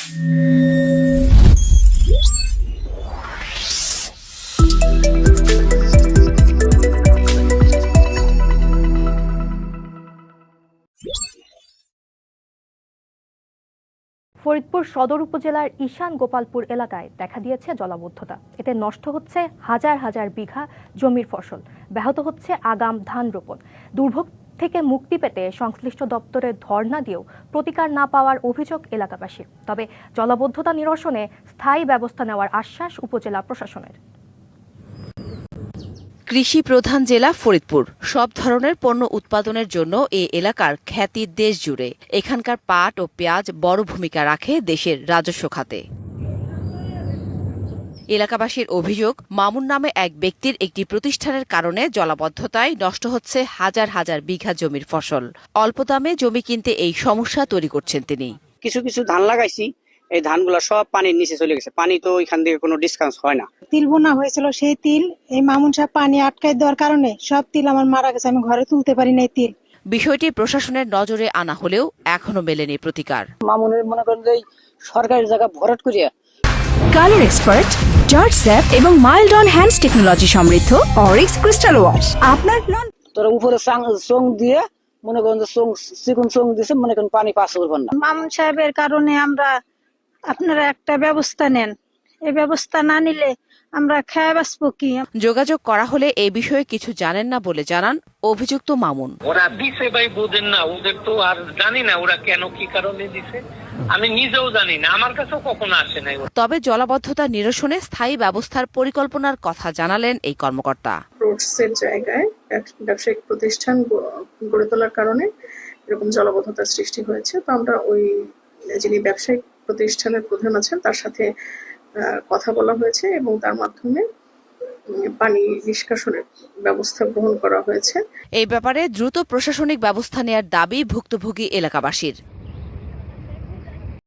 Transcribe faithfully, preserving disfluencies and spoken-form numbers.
ফরিদপুর সদর উপজেলার ঈশান গোপালপুর এলাকায় দেখা দিয়েছে জলাবদ্ধতা। এতে নষ্ট হচ্ছে হাজার হাজার বিঘা জমির ফসল, ব্যাহত হচ্ছে আগাম ধান রোপণ। দুর্ভোগ থেকে মুক্তি পেতে সংশ্লিষ্ট দপ্তরে ধর্ণা দিয়েও প্রতিকার না পাওয়ার অভিযোগ এলাকাবাসীর। তবে জলাবদ্ধতা নিরসনে স্থায়ী ব্যবস্থা নেওয়ার আশ্বাস উপজেলা প্রশাসনের। কৃষি প্রধান জেলা ফরিদপুর, সব ধরনের পণ্য উৎপাদনের জন্য এ এলাকার খ্যাতি দেশ জুড়ে। এখানকার পাট ও পেঁয়াজ বড় ভূমিকা রাখে দেশের রাজস্ব খাতে। এলাকাবাসীর অভিযোগ, মামুন নামে এক ব্যক্তির একটি প্রতিষ্ঠানের কারণে জলাবদ্ধতায় নষ্ট হচ্ছে হাজার হাজার বিঘা জমির ফসল। অল্প দামে জমি কিনতে এই সমস্যা তৈরি করছেন তিনি। কিছু কিছু ধান লাগাইছি, এই ধানগুলো সব পানির নিচে চলে গেছে। পানি তো এখান থেকে কোনো ডিসকাউন্ট হয় না। তিল বোনা হয়েছিল, সেই তিল এই মামুন সাহেব পানি আটকায় দেওয়ার কারণে সব তিল আমার মারা গেছে। আমি ঘরে তুলতে পারি না তিল। বিষয়টি প্রশাসনের নজরে আনা হলেও এখনো মেলেনি প্রতিকার। মামুনের মনে করেন যে সরকারি জায়গা ভরাট করিয়া কালার এক্সপার্ট, জর্জ স্যাপ এবং মাইল্ড অন হ্যান্ডস টেকনোলজি সমৃদ্ধ অরিক্স ক্রিস্টাল ওয়াশ আপনার নন। তোরা উপরে চোং দিয়ে মনে করেন যে চোং চিকুন চোং দিছে, মনে করেন পানি পাস করবেন না। মামুন সাহেবের কারণে আমরা, আপনারা একটা ব্যবস্থা নেন। এই ব্যবস্থা না নিলে আমরা খেয়ে বাঁচবো কি? যোগাযোগ করা হলে এই বিষয়ে কিছু জানেন না বলে জানান অভিযুক্ত মামুন। ওরা দিছে ভাই, বোঝেন না, ওদের তো আর জানি না ওরা কেন কি কারণে দিছে, আমি নিজেও জানি না, আমার কাছেও কখনো আসে নাই। তবে জলাবদ্ধতা নিরসনে স্থায়ী ব্যবস্থার পরিকল্পনার কথা জানালেন এই কর্মকর্তা। রোডসের জায়গায় ব্যবসায়িক প্রতিষ্ঠান গড়ে তোলার কারণে এরকম জলাবদ্ধতার সৃষ্টি হয়েছে। তো আমরা ওই যিনি ব্যবসায়িক প্রতিষ্ঠানের প্রধান আছেন তার সাথে কথা বলা হয়েছে এবং তার মাধ্যমে পানি নিষ্কাশনের ব্যবস্থা গ্রহণ করা হয়েছে। এই ব্যাপারে দ্রুত প্রশাসনিক ব্যবস্থা নেওয়ার দাবি ভুক্তভোগী এলাকাবাসীর।